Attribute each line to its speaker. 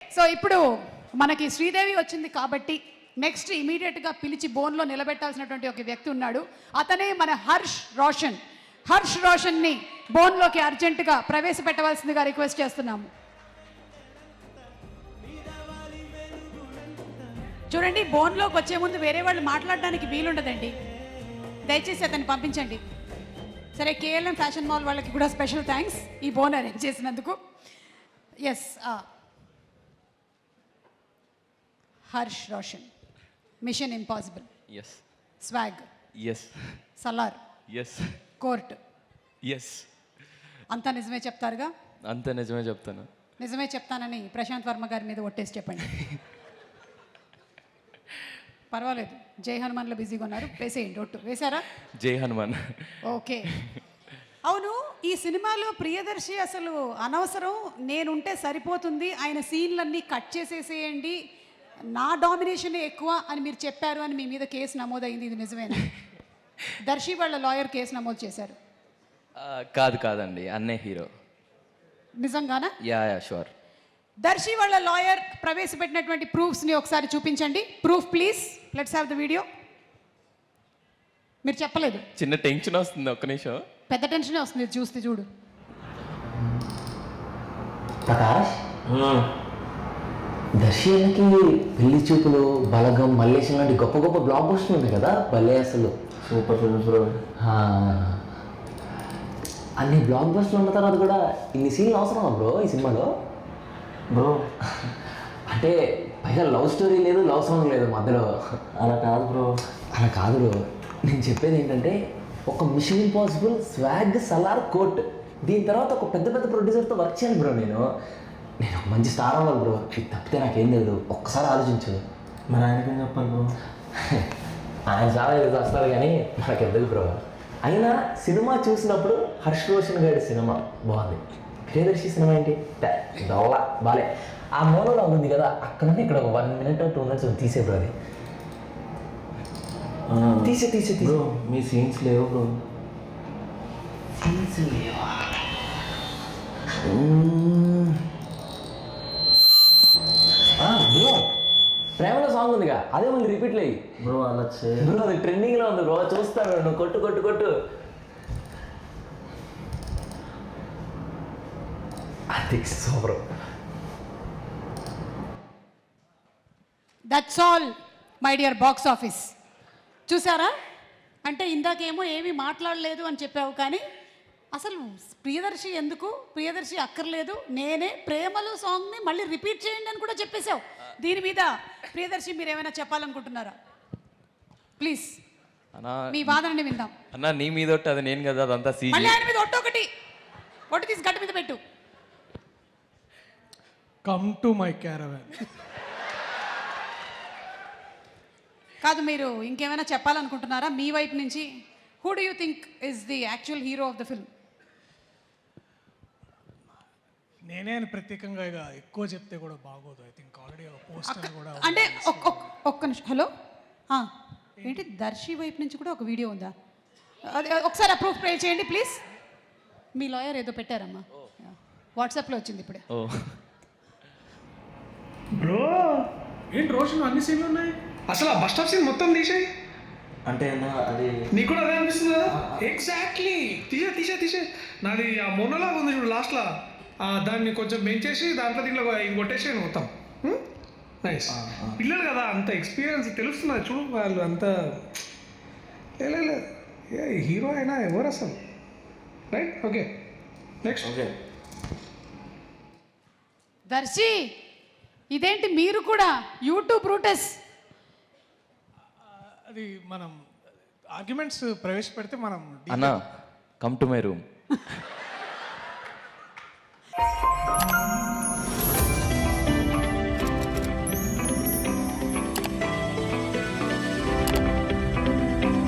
Speaker 1: So ఇప్పుడు మనకి శ్రీదేవి వచ్చింది కాబట్టి నెక్స్ట్ ఇమీడియట్గా పిలిచి బోన్లో నిలబెట్టాల్సినటువంటి ఒక వ్యక్తి ఉన్నాడు. అతనే మన హర్ష్ రోషన్. హర్ష్ రోషన్ని బోన్లోకి అర్జెంటుగా ప్రవేశపెట్టవలసిందిగా రిక్వెస్ట్ చేస్తున్నాము. చూడండి, బోన్లోకి వచ్చే ముందు వేరే వాళ్ళు మాట్లాడడానికి వీలుండదండి. దయచేసి అతన్ని పంపించండి. సరే, కేఎల్ఎం ఫ్యాషన్ మాల్ వాళ్ళకి కూడా స్పెషల్ థ్యాంక్స్ ఈ బోన్ అరేంజ్ చేసినందుకు. Yes, Harsh Roshan, mission impossible,
Speaker 2: yes,
Speaker 1: swag,
Speaker 2: yes,
Speaker 1: Salaar,
Speaker 2: yes,
Speaker 1: court,
Speaker 2: yes.
Speaker 1: అంతా నిజమే చెప్తారుగా?
Speaker 2: అంతా నిజమే చెప్తాను.
Speaker 1: నిజమే చెప్తానని ప్రశాంత్ వర్మ గారి మీద ఒట్టేసి చెప్పండి. పర్వాలేదు, జై హనుమాన్లో బిజీగా ఉన్నారు, వేసేయండి. ఒట్టు వేశారా?
Speaker 2: జై హనుమాన్.
Speaker 1: ఓకే. అవును, ఈ సినిమాలో ప్రియదర్శి అసలు అనవసరం, నేనుంటే సరిపోతుంది, ఆయన సీన్లన్నీ కట్ చేసేసేయండి, నా డామినేషన్ ఎక్కువ అని మీరు చెప్పారు అని మీ మీద కేసు నమోదైంది. ఇది నిజమేనా? దర్శి వాళ్ళ లాయర్ కేసు నమోదు చేశారు.
Speaker 2: కాదండి, అన్నే హీరో.
Speaker 1: నిజంగానా?
Speaker 2: Yeah sure.
Speaker 1: దర్శి వాళ్ళ లాయర్ ప్రవేశపెట్టినటువంటి ప్రూఫ్స్ని ఒకసారి చూపించండి. Proof please, let's have the video. మీరు చెప్పలేదు.
Speaker 2: చిన్న టెన్షన్ వస్తుంది, ఒక్క నిమిషం.
Speaker 1: పెద్ద టెన్షనే వస్తుంది చూస్తే. చూడు
Speaker 3: ప్రకాష్, దర్శి అన్నకి పెళ్లి చూపులు, బలగం, మల్లేశం లాంటి గొప్ప గొప్ప బ్లాక్ బస్టర్లు ఉన్నాయి కదా, భలే అసలు సూపర్ ఫిల్మ్స్ బ్రో. అన్ని బ్లాక్ బస్టర్లు ఉన్న తర్వాత కూడా ఇన్ని సీన్లు అవసరమా బ్రో ఈ సినిమాలో? బ్రో అంటే పైగా లవ్ స్టోరీ లేదు, లవ్ సాంగ్ లేదు మధ్యలో. అలా కాదు బ్రో, అలా కాదు బ్రో. నేను చెప్పేది ఏంటంటే, ఒక mission impossible, swag, Salaar, court, దీని తర్వాత ఒక పెద్ద పెద్ద ప్రొడ్యూసర్తో వర్క్ చేయాలి బ్రో. నేను ఒక మంచి స్టార్ అవ్వాలి బ్రో. ఇది తప్పితే నాకేం తెలియదు. ఒక్కసారి ఆలోచించు.
Speaker 4: మరి ఆయనకేం చెప్పాలి బ్రో?
Speaker 3: ఆయన చాలా ఏదో వస్తారు కానీ నాకు ఎందుకు బ్రో. అయినా సినిమా చూసినప్పుడు హర్ష్ రోషన్ గారి సినిమా బాగుంది, ప్రియదర్శి సినిమా ఏంటి దొల్ల బాలే. ఆ మోనోలాగ్ ఉంది కదా, అక్కడ నుండి ఇక్కడ 1 minute 2 minutes తీసే బ్రో. అది తీసే
Speaker 4: బ్రో, మీ సీన్స్ లేవు బ్రో.
Speaker 3: సీన్స్ లేవా? బ్రో, ప్రేమలో సాంగ్ ఉందిగా, అదే మళ్ళీ రిపీట్లు అయ్యి
Speaker 4: బ్రో. అలా
Speaker 3: బ్రో, అది ట్రెండింగ్లో ఉంది బ్రో. చూస్తాను, నువ్వు కొట్టు కొట్టు కొట్టు. అది super.
Speaker 1: That's all my dear box office. చూసారా? అంటే ఇందాకేమో ఏమీ మాట్లాడలేదు అని చెప్పావు, కానీ అసలు ప్రియదర్శి ఎందుకు, ప్రియదర్శి అక్కర్లేదు, నేనే ప్రేమలు సాంగ్ని మళ్ళీ రిపీట్ చేయండి అని కూడా చెప్పేశావు. దీని మీద ప్రియదర్శి మీరు ఏమైనా చెప్పాలనుకుంటున్నారా? ప్లీజ్ మీ వాదనని విందాం.
Speaker 2: అన్నా, నీ మీద ఒట్టు, అది నేను కదా, అదంతా సీజీ.
Speaker 1: మళ్ళీ ఆయన మీద ఒట్టు తీసి గట్టి మీద పెట్టు.
Speaker 5: Come to my caravan.
Speaker 1: కాదు, మీరు ఇంకేమైనా చెప్పాలనుకుంటున్నారా మీ వైపు నుంచి? Who do you think is the actual hero of the film?
Speaker 5: నేనే అని ప్రత్యేకంగా ఇక ఎక్కువ చెప్తే కూడా బాగోదు. ఐ థింక్ ఆల్రెడీ పోస్టర్ కూడా
Speaker 1: అంటే ఒక్క నిమిషం. హలో, ఏంటి దర్శి వైపు నుంచి కూడా ఒక వీడియో ఉందా? అది ఒకసారి అప్రూవ్ ప్లే చేయండి ప్లీజ్. మీ లాయర్ ఏదో పెట్టారమ్మా, వాట్సాప్లో వచ్చింది ఇప్పుడే.
Speaker 6: బ్రో, ఏంటి రోషన్ అన్ని సీన్లు ఉన్నాయి, అసలు ఆ బస్ స్టాప్ సీన్ మొత్తం తీసేయి.
Speaker 4: అంటే అది
Speaker 6: నీకు కూడా అదే అనిపిస్తుంది కదా? ఎగ్జాక్ట్లీ, తీసే నాది ఆ మొన్నలాగా ఉంది చూడు లాస్ట్లో, దాన్ని కొంచెం పెంచేసి దాంట్లో దీంట్లో ఇది కొట్టేసాను మొత్తం. నైస్. పిల్లలు కదా, అంత ఎక్స్పీరియన్స్ తెలుస్తున్నది చూడు. వాళ్ళు అంత హీరో అయినా ఎవరు అసలు. Right, okay, next.
Speaker 4: Okay.
Speaker 1: Darshi, ఇదేంటి మీరు కూడా యూట్యూబ్ రూటస్?
Speaker 5: అది మనం ఆర్గ్యుమెంట్స్ ప్రవేశపెడితే మనం
Speaker 2: అన్నా, కమ్ టు మై రూమ్.